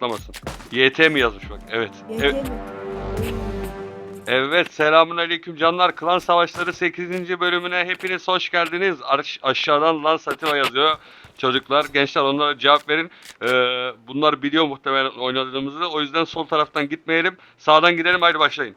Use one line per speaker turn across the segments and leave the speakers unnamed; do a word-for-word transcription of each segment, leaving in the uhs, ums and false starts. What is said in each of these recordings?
açıklamasın. Y T mi yazmış bak. Evet.
Y T
Evet.
mi?
Evet, selamünaleyküm canlar. Klan Savaşları sekizinci bölümüne hepiniz hoş geldiniz. Aş- aşağıdan Lan Sativa yazıyor. Çocuklar, gençler onlara cevap verin. Ee, bunlar biliyor muhtemelen oynadığımızı. O yüzden sol taraftan gitmeyelim. Sağdan gidelim. Haydi başlayın.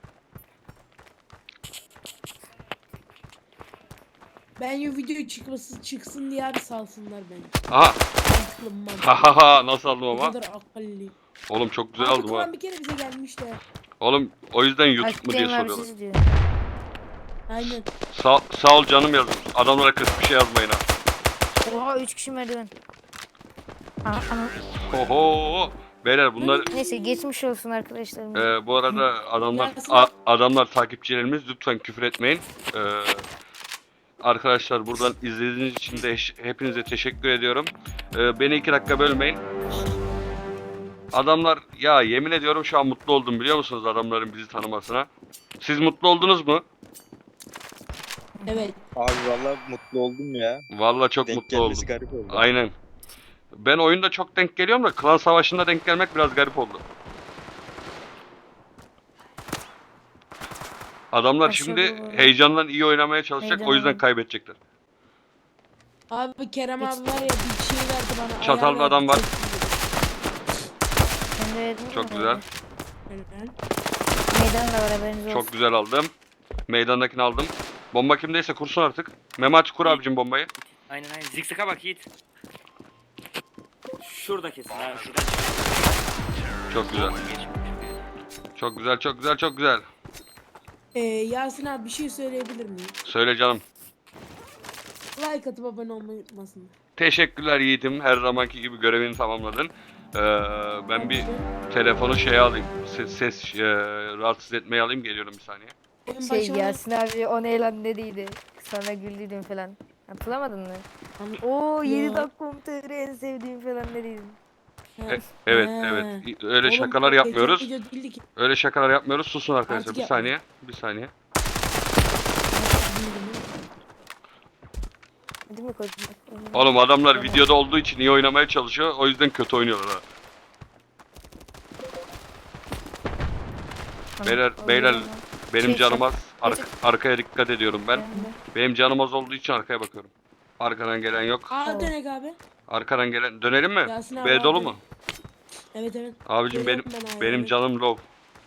Ben o video çıkması çıksın diye abi salsınlar beni.
Aha.
Mantıklı mı
Ha
mantıklı.
ha ha. Nasıl aldım
Ne
ama?
kadar akıllı.
Oğlum çok güzel
Abi
aldım ha.
Kur'an bir kere bize gelmiş de.
Oğlum o yüzden YouTube mu diye
Aktif abi
soruyorlar.
siz diyor.
Aynen.
Sağ, sağ ol canım yazmış. Adamlara kötü bir şey yazmayın ha.
Oha üç kişi merdiven. Aa, ana.
Oho. Beyler bunlar
Neyse geçmiş olsun arkadaşlarım.
Ee, bu arada adamlar
Yasin
a-
abi.
adamlar takipçilerimiz, lütfen küfür etmeyin. Ee, arkadaşlar buradan izlediğiniz için de heş- hepinize teşekkür ediyorum. Ee, beni iki dakika bölmeyin. Adamlar, ya yemin ediyorum şu an mutlu oldum biliyor musunuz adamların bizi tanımasına. Siz mutlu oldunuz mu?
Evet.
Abi vallahi mutlu oldum ya.
Vallahi çok
Denk
mutlu oldum.
gelmesi garip oldu.
Aynen. Ben oyunda çok denk geliyorum da klan savaşında denk gelmek biraz garip oldu. Adamlar
Aşağı
şimdi
doğru.
heyecandan iyi oynamaya çalışacak, o
Heyecan.
yüzden kaybedecekler.
Abi Kerem abi var ya bir şey verdi bana.
Çatallı
ayar verdi,
adam var.
çok iyi.
Sen de verdin mi
Çok
bana?
güzel.
Helal.
Meydan da var haberiniz olsun.
Çok güzel aldım. Meydandakini aldım. Bomba kimdeyse kursun artık. Memati kur abicim bombayı.
Aynen aynen. Zikzaka bak Yiğit. Şurada kesin ha. Şuradan
Çok güzel.
geç.
Çok güzel, çok güzel, çok güzel.
Ee, Yasin abi bir şey söyleyebilir miyim?
Söyle canım.
Like atıp abone olmayı unutmasın.
Teşekkürler Yiğitim. Her zamanki gibi görevini tamamladın. Ee, ben bir telefonu şeye alayım. Ses, ses e, rahatsız etmeye alayım. Geliyorum bir saniye.
Oyun
Şey
başlamadan-
Yasin abi o ne lan dediydi. Sonra güldüydüm falan. Hatırlamadın mı?
Anla-
Oo
Ya.
yedi dakika en sevdiğim falan dediydin.
E- evet,
Ha.
evet. Öyle
Oğlum,
şakalar
geçen
yapmıyoruz.
video değildi ki.
Öyle şakalar yapmıyoruz. Susun arkadaşlar.
Artık
Bir
yapma.
saniye. Bir saniye.
Değil mi koçum?
Oğlum adamlar
Tamam.
videoda olduğu için iyi oynamaya çalışıyor. O yüzden kötü oynuyorlar ha.
Tamam,
Beyler,
oldu
beyler
ama.
benim
Şey,
canım
şey-
az. Arka- arkaya dikkat ediyorum ben.
Ben de.
Benim canım az olduğu için arkaya bakıyorum. Arkadan gelen yok.
Aa dönek abi.
Arkadan gelen dönelim mi?
Yasin abi
B dolu
abi.
mu?
Evet evet.
Abicim benim
Geliyorum ben abi,
benim
evet.
canım low.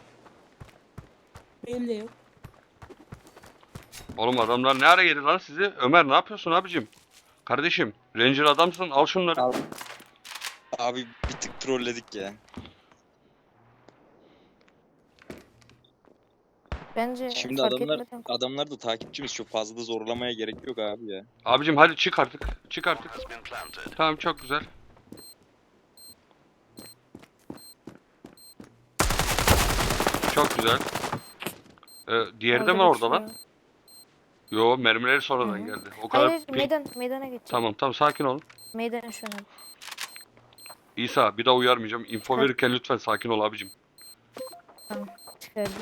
Benim de yok.
Oğlum adamlar ne ara yedi lan sizi? Ömer ne yapıyorsun abicim? Kardeşim, Ranger adamsın. Al şunları.
Abi, abi bir tık trolledik ya.
Bence
Şimdi
fark
adamlar
etmeden
adamlar da takipçimiz, çok fazla da zorlamaya gerek yok abi ya.
Abicim hadi çık artık. Çık artık. Tamam çok güzel. Çok güzel. Ee, diğeri de mi
Orada
orada lan?
geçiyor.
Yo, mermileri sonradan
Hı hı.
geldi. O kadar
Hayır,
ping-
meydan, meydana geçeceğim.
Tamam tamam sakin olun.
Meydan şu an.
İsa bir daha uyarmayacağım. Info
Hı.
verirken lütfen sakin ol abicim.
Tamam, çıkardım.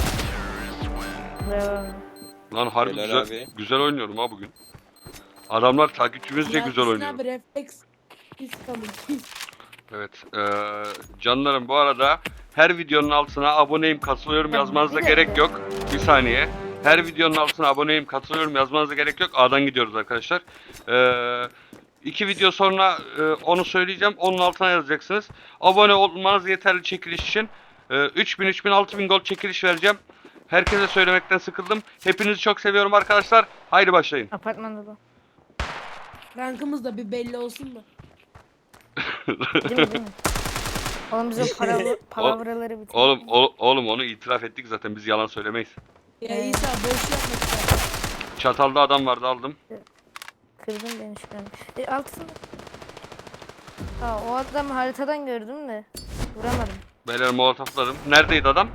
Bravo.
Lan harbi
Helal
güzel,
abi.
güzel oynuyorum ha bugün. Adamlar takipçimizce güzel
Yasin
oynuyor.
abi refleks. Pis kalın pis.
Evet. Eee canlarım bu arada her videonun altına aboneyim katılıyorum
Tamam,
yazmanıza
bir
gerek
dakika.
yok. Bir saniye. Her videonun altına aboneyim katılıyorum yazmanıza gerek yok. A'dan gidiyoruz arkadaşlar. Eee iki video sonra e, onu söyleyeceğim. Onun altına yazacaksınız. Abone olmanız yeterli çekiliş için. E, üç bin, üç bin, altı bin gold çekiliş vereceğim. Herkese söylemekten sıkıldım. Hepinizi çok seviyorum arkadaşlar. Haydi başlayın.
Apartmanda bu.
Rankımız da bir belli olsun da.
Değil mi değil mi? Oğlum biz o para, palavraları bitirdik.
Oğlum o- oğlum onu itiraf ettik zaten. Biz yalan söylemeyiz.
Ya
Ee.
İsa boş yapma sen.
Çatalda adam vardı aldım.
Kırdın beni şu an. E, altısında. Aa, o adamı haritadan gördüm de. Vuramadım.
Beyler molotofladım. Neredeydi adam?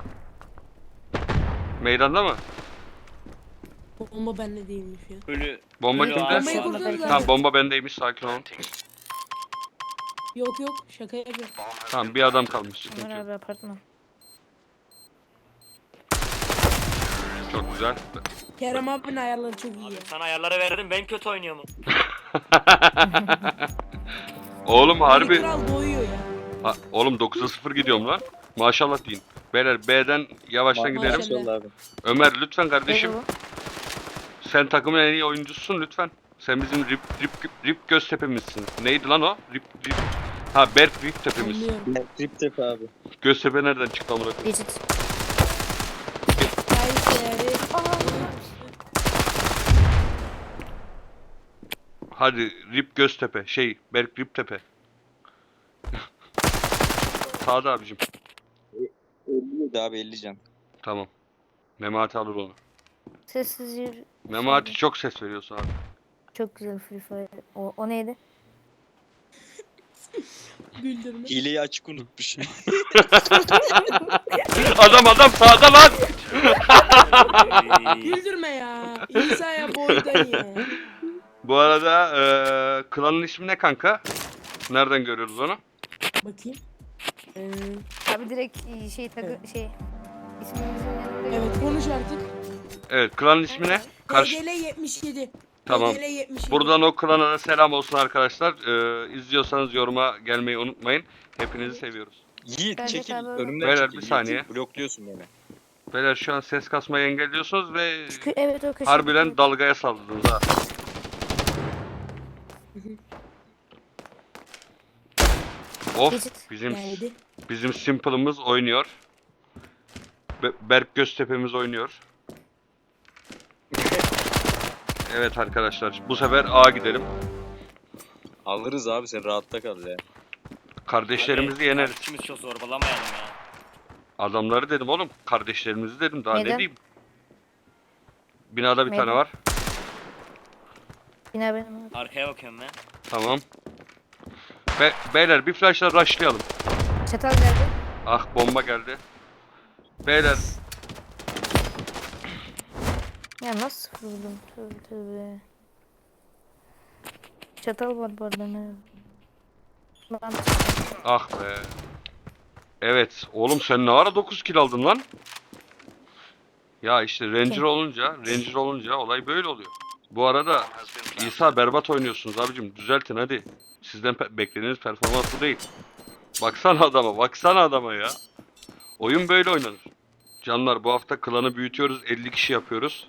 Meydanda mı?
Bomba bende değilmiş ya.
Ölü.
Bomba
ölü
kimde?
ağaç
Bombayı
var.
kurtarız abi.
Tamam bomba bendeymiş, sakin olun.
Yok yok şaka yapıyorum.
Tamam bir adam kalmış, sıkıntı
Ömer
yok.
abi apartman.
Çok güzel.
Kerem abinin ayarları çok iyi
Abi
ya.
sana ayarları verdim, ben kötü oynuyorum.
Oğlum
Harbi.
harbi
Kral doyuyor ya.
Ha, oğlum dokuza sıfır gidiyorum lan. Maşallah deyin. Beyler B'den yavaştan gidelim.
Maşallah.
Maşallah abi.
Ömer lütfen kardeşim.
Eyvallah.
Sen takımın en iyi oyuncususun lütfen. Sen bizim Rip Rip Rip Göztepe'mizsin. Neydi lan o? Rip Rip. Ha Berk Rip Tepe'miz.
Anlıyorum.
Trip tep abi.
Göztepe nereden çıktı amına koyayım?
Geçit.
Kayseri.
Hadi Rip Göztepe. Şey Berk Rip Tepe. Sağda abicim.
elli yedi abi elli can.
Tamam. Memati alır onu.
Sessiz yürü.
Memati çok ses veriyorsun abi.
Çok güzel Free Fire. O, o neydi?
Güldürme.
Hileyi açık unutmuş.
Adam adam sağda lan.
Güldürme ya. İsa'ya boydan ya.
Bu arada eee klanın ismi ne kanka? Nereden görüyoruz onu?
Bakayım. Ee,
Abi direkt e, şey takı şey ismimizin yanında.
evet konuş artık.
Evet klanın ismi ne? Karşı...
D G L yetmiş yedi.
Tamam.
D G L yetmiş yedi.
Buradan o klana da selam olsun arkadaşlar. Eee izliyorsanız yoruma gelmeyi unutmayın. Hepinizi seviyoruz.
Yiğit
Bence
çekil.
tabii.
Önümden
Beyler,
çekil.
bir
Yiğit.
saniye.
Blokluyorsun beni.
Beyler şu an ses kasmayı engelliyorsunuz ve
Kı- Evet o köşe.
harbiden dalgaya saldınız ha. Of
Geçit.
bizim
Geldi.
bizim Simple'ımız oynuyor. Be- Berk Göztepe'miz oynuyor. Evet arkadaşlar bu sefer A gidelim.
Alırız abi sen rahatta kal ya.
Kardeşlerimizi yeneriz.
İkimiz çok zorbalamayalım ya.
Adamları dedim oğlum. Kardeşlerimizi dedim daha ne
Neden?
diyeyim. Binada bir
Neden?
tane var.
Yine benim abi.
Arkaya bakıyorum ben.
Tamam. Be beyler bir flashla rushlayalım.
Çatal geldi.
Ah bomba geldi. Beyler
Ya nasıl vurdum? Tövbe tövbe. Çatal var bu arada ne? Lan
ah be. Evet oğlum sen ne ara dokuz kill aldın lan? Ya işte Ranger olunca, Ranger olunca olay böyle oluyor. Bu arada İsa berbat oynuyorsunuz abicim. Düzeltin hadi. Sizden pe beklediğiniz performans bu değil. Baksana adama, baksana adama ya. Oyun böyle oynanır. Canlar bu hafta klanı büyütüyoruz. elli kişi yapıyoruz.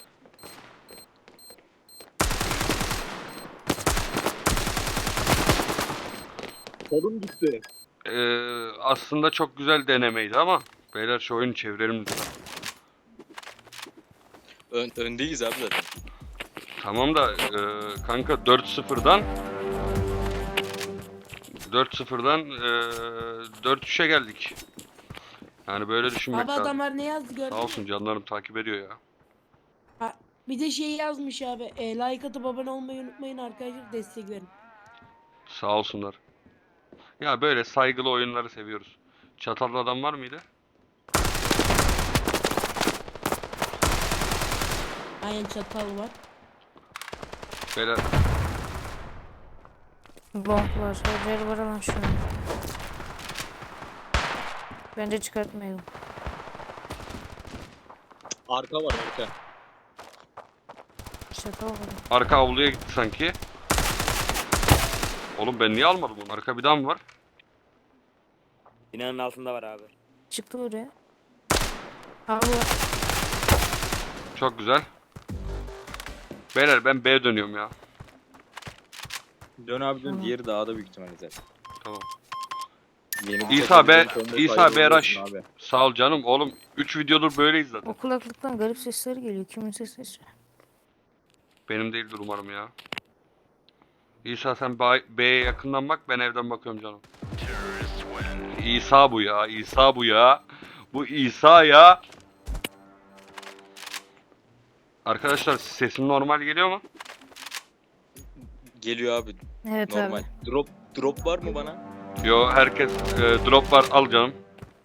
Kolum gitti.
Ee, aslında çok güzel denemeydi ama beyler şu oyunu çevirelim lütfen.
Ön, öndeyiz abi zaten.
Tamam da e, kanka dört sıfırdan dört sıfırdan e, dört üçe geldik. Yani böyle düşünmek
Abi
lazım.
adamlar ne yazdı gördün
Sağ
mü?
olsun canlarım takip ediyor ya.
Ha, bir de şey yazmış abi. E, like atıp abone olmayı unutmayın arkadaşlar. Destek verin.
Sağ olsunlar. Ya böyle saygılı oyunları seviyoruz. Çatallı adam var mıydı?
Aynen çatal var.
Beyler
bomb var. Hocayla var lan şu an. Bence çıkartmayalım.
Arka var arka.
Çatal var.
arka avluya gitti sanki. Oğlum ben niye almadım onu? Arka bir daha mı var?
Binanın altında var abi.
Çıktı oraya. Abi var.
Çok güzel. Beyler ben B'ye dönüyorum ya.
Dön abi dön.
Tamam.
Diğeri dağda büyük ihtimalle zaten.
Tamam.
Yeni bir
İsa be,
takımdan sonra
İsa
faydalı
be Rush.
olursun abi.
Sağ ol canım. Oğlum üç videodur böyleyiz zaten.
O kulaklıktan garip sesler geliyor. Kimin sesi?
Benim değildir umarım ya. İsa sen Ba- B'ye yakından bak, ben evden bakıyorum canım. İsa bu ya, İsa bu ya. Bu İsa ya. Arkadaşlar sesim normal geliyor mu?
Geliyor abi
Evet
normal.
abi.
Drop drop var mı bana?
Yo herkes e, drop var, al canım.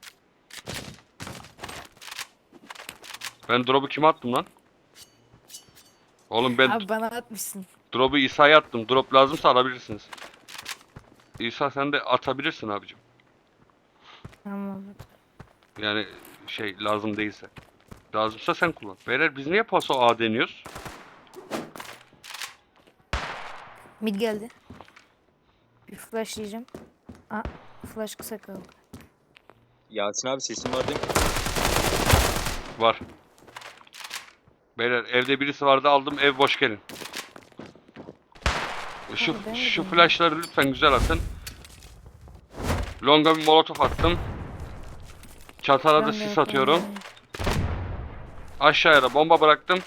Ben drop'u kime attım lan? Oğlum ben
Abi bana atmışsın.
drop'u İsa'ya attım. Drop lazımsa alabilirsiniz. İsa sen de atabilirsin abicim.
Tamam.
Yani şey lazım değilse. Lazımsa sen kullan. Beyler biz niye paso A deniyoruz?
Mid geldi. Bir flash diyeceğim. Aa, Flash kısa kaldı.
Yasin abi sesin var değil mi?
Var. Beyler evde birisi vardı aldım, ev boş gelin. Şu,
Abi ben de
şu
bilmiyorum.
flashları lütfen güzel atın. Longa bir molotof attım. Çatala da
Ben de
sis
yapıyorum
atıyorum.
yani.
Aşağıya da bomba bıraktım.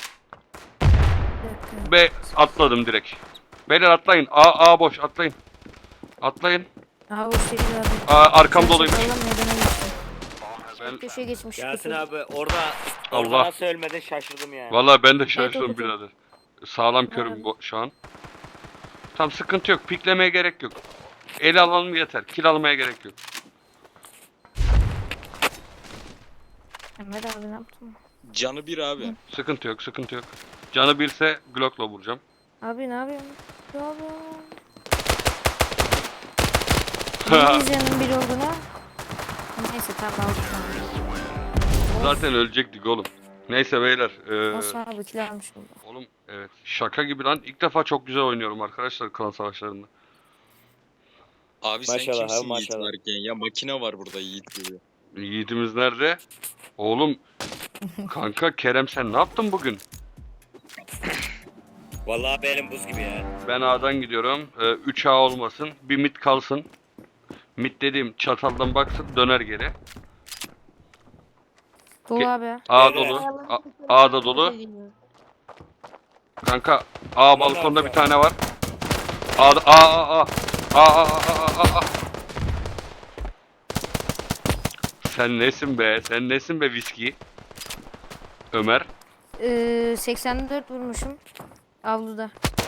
Bir dakika.
B atladım direkt. Beyler atlayın. A A boş atlayın. Atlayın.
Aha o şekilde abi.
A, arkam
Sen
doluymuş.
çakaldan meydana geçtin.
Ben,
Köşeye geçmiş.
Yasin
kötü.
abi orada orada
Allah.
nasıl ölmedin şaşırdım yani.
vallahi ben de
o
şaşırdım
kötü.
birader. Sağlam körüm
Abi.
bu- şu an. Tam sıkıntı yok. Piklemeye gerek yok. El alalım yeter. Kill almaya gerek yok.
Mehmet abi ne yaptın?
Canı bir abi.
Sıkıntı yok, sıkıntı yok. Canı birse Glock'la vuracağım.
Abi ne yapıyorsun? Ne yapıyorsun? Neyiz yanın bir olduğuna? Neyse tamam aldık.
Zaten ölecektik oğlum. Neyse beyler. Ee,
Nasıl abi kill almış oldu.
oğlum evet. Şaka gibi lan. İlk defa çok güzel oynuyorum arkadaşlar klan savaşlarında.
Abi sen
Maşallah abi,
kimsin Yiğit
maşallah.
varken ya? Makine var burada Yiğit gibi.
Yiğitimiz nerede? Oğlum. Kanka Kerem sen ne yaptın bugün?
Vallahi benim buz gibi ya.
Ben A'dan gidiyorum. Ee, üç A olmasın. Bir mid kalsın. Mid dediğim çataldan baksın döner geri.
Dolu
Ke-
abi.
A
Evet.
dolu. A, A da dolu. Kanka A balkonda bir tane var. A'da A A A. A A A A A A. Sen nesin be? Sen nesin be viski? Ömer.
Ee, seksen dört vurmuşum. Avluda.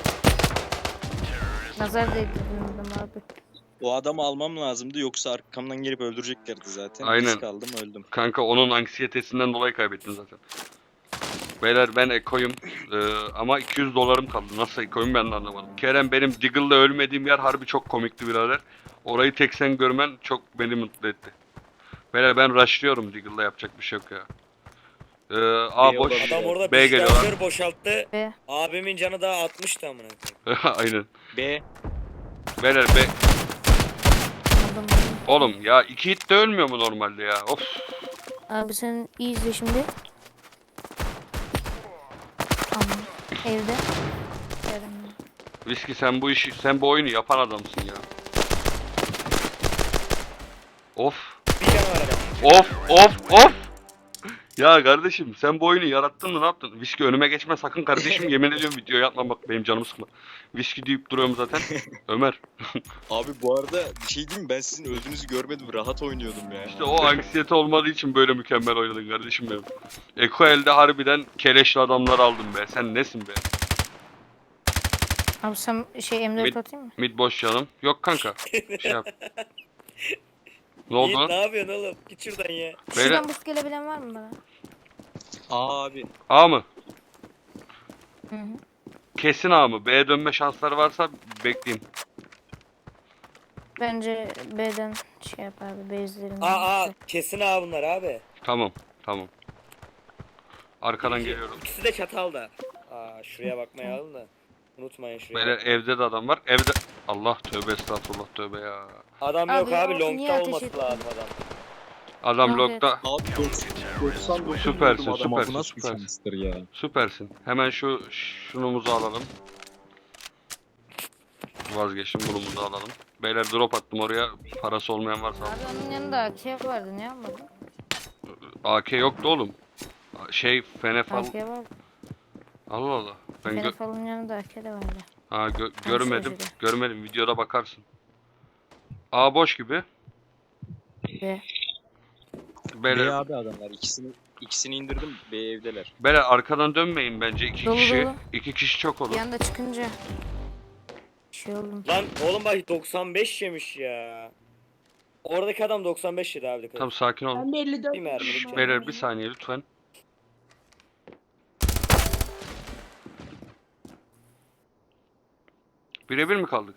Nazar değdirdim abi.
O adamı almam lazımdı yoksa arkamdan gelip öldüreceklerdi zaten.
Aynen.
Risk aldım öldüm.
Kanka onun anksiyetesinden dolayı kaybettin zaten. Beyler ben ekoyum ee, ama iki yüz dolarım kaldı. Nasıl ekoyum ben de anlamadım. Kerem benim Diggle'la ölmediğim yer harbi çok komikti birader. Orayı tek sen görmen çok beni mutlu etti. Beyler ben rushlıyorum Diggle'la yapacak bir şey yok ya. Ee, A
B
boş.
olabilir.
Adam orada
B
bir
geliyorlar.
şarjör boşalttı.
Ve
Abimin canı daha altmıştı amına koyayım.
Aynen.
B.
Beyler be.
aldım.
Oğlum ya iki hit de ölmüyor mu normalde ya? Of.
Abi sen iyi izle şimdi. Aman. Evde. Yarın.
Viski sen bu işi sen bu oyunu yapan adamsın ya. Of.
Bir canı var adam.
Of of of. Ya kardeşim sen bu oyunu yarattın mı ne yaptın? Viski önüme geçme sakın kardeşim yemin ediyorum video yapma bak benim canımı sıkma. Viski deyip duruyorum zaten. Ömer.
Abi bu arada bir şey diyeyim mi? Ben sizin öldüğünüzü görmedim. Rahat oynuyordum ya.
İşte o anksiyete olmadığı için böyle mükemmel oynadın kardeşim benim. Eko elde harbiden keleşli adamlar aldım be. Sen nesin be?
Abi sen şey M dört
Mid-
atayım mı?
Mid boş canım. Yok kanka. Şey yap. Ne oldu
Yiğit
lan?
ne yapıyorsun oğlum? Git şuradan ya.
Beyler
Şuradan boost gelebilen var mı bana?
Aa abi.
A mı?
Hı hı.
Kesin A mı? B'ye dönme şansları varsa bekleyin.
Bence B'den şey yap abi. Base'lerin.
Aa aa kesin abi bunlar abi.
Tamam. Tamam. Arkadan
İki-
geliyorum.
İkisi de çatalda. Aa şuraya bakmayı alın da. Unutmayın şuraya.
Beyler
bak.
evde de adam var. Evde... Allah tövbe estağfurullah tövbe ya.
Adam
Abi,
yok abi
o niye
longta
ateş
olması
etti?
lazım adam.
Adam
Evet.
logda.
Abi doksan dokuz
Süpersin,
vurdum adama.
süpersin,
Bu nasıl bir
süpersin.
şanstır ya?
Süpersin. Hemen şu şunumuzu alalım. Vazgeçtim bunumuzu alalım. Beyler drop attım oraya. Parası olmayan varsa.
Abi onun yanında A K vardı. Ne yapmadın?
A K yoktu oğlum. Şey Fenefal.
A K vardı.
Allah Allah. Ben gö-
Fenefal'ın yanında A K de vardı.
ha, gö- görmedim.
şurada.
Görmedim. Videoda bakarsın. A boş gibi.
Ve
Beyler,
B abi adamlar. İkisini ikisini indirdim. B evdeler.
beyler arkadan dönmeyin bence. İki
Dolu,
kişi.
dolu.
iki kişi çok olur.
bir anda çıkınca şey oldum.
Lan oğlum bak doksan beş yemiş ya. Oradaki adam doksan beş yedi abi dikkat.
Tamam sakin olun.
Ben de elli dört
Bir mermi
vurdum
düştü.
abi.
Beyler bir saniye lütfen. Birebir mi kaldık?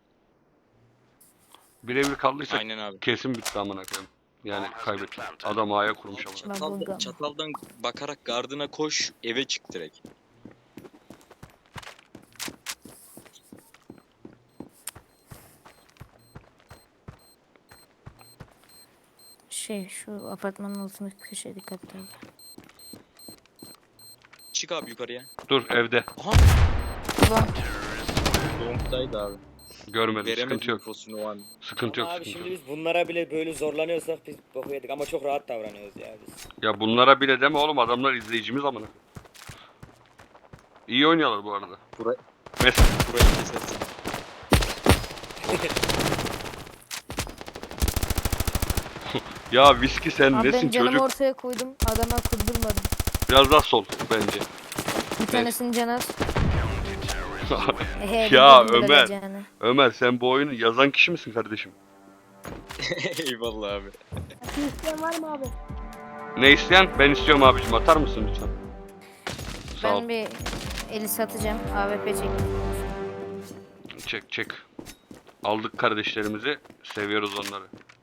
Birebir kaldıysak
Aynen abi.
kesin bitti amına koyayım. Yani kaybettik. Adam A'ya kurmuş ama.
Çataldan,
buldum.
çataldan bakarak gardına koş, eve çık direkt.
Şey şu apartmanın altındaki köşeye dikkat et abi.
Çık abi yukarıya.
Dur evde.
Aha.
Ulan
Long'daydı abi.
Görmedim.
Veremedim
Sıkıntı yok.
infosunu o an.
Sıkıntı yok.
Ama abi
Sıkıntı
şimdi
yok.
biz bunlara bile böyle zorlanıyorsak biz boku yedik ama çok rahat davranıyoruz ya biz.
Ya bunlara bile deme oğlum, adamlar izleyicimiz amına. İyi oynuyorlar bu arada.
Burayı,
Mesela
burayı kesersin.
ya Viski sen
abi ben
nesin
canımı
çocuk?
ortaya koydum. Adama kurdurmadım.
Biraz daha sol bence.
Bir tanesinin canı az. Ehe,
Ya
bildim bile
Ömer.
geleceğini.
Ömer sen bu oyunu yazan kişi misin kardeşim?
Eyvallah abi.
Akıl isteyen var mı abi?
Ne isteyen? Ben istiyorum abicim, atar mısın lütfen? Sağ ol.
Ben bir eli satacağım. A W P çek.
Çek çek. Aldık kardeşlerimizi. Seviyoruz onları.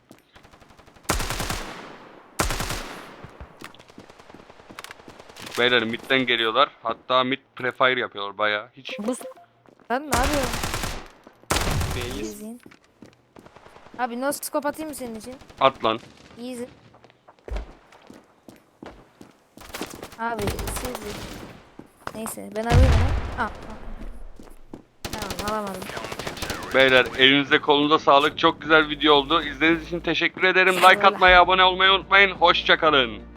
Beyler midden geliyorlar. Hatta mid prefire yapıyorlar bayağı. Hiç
Bu lan ne yapıyorsun?
Beyiz.
İzleyin. Abi no scope atayım mı senin için?
at lan.
Easy. Abi siz neyse ben alayım onu. Al. al. Tamam alamadım.
Beyler elinize kolunuza sağlık. Çok güzel video oldu. İzlediğiniz için teşekkür ederim. Like
Eyvallah.
atmayı, abone olmayı unutmayın. Hoşça kalın.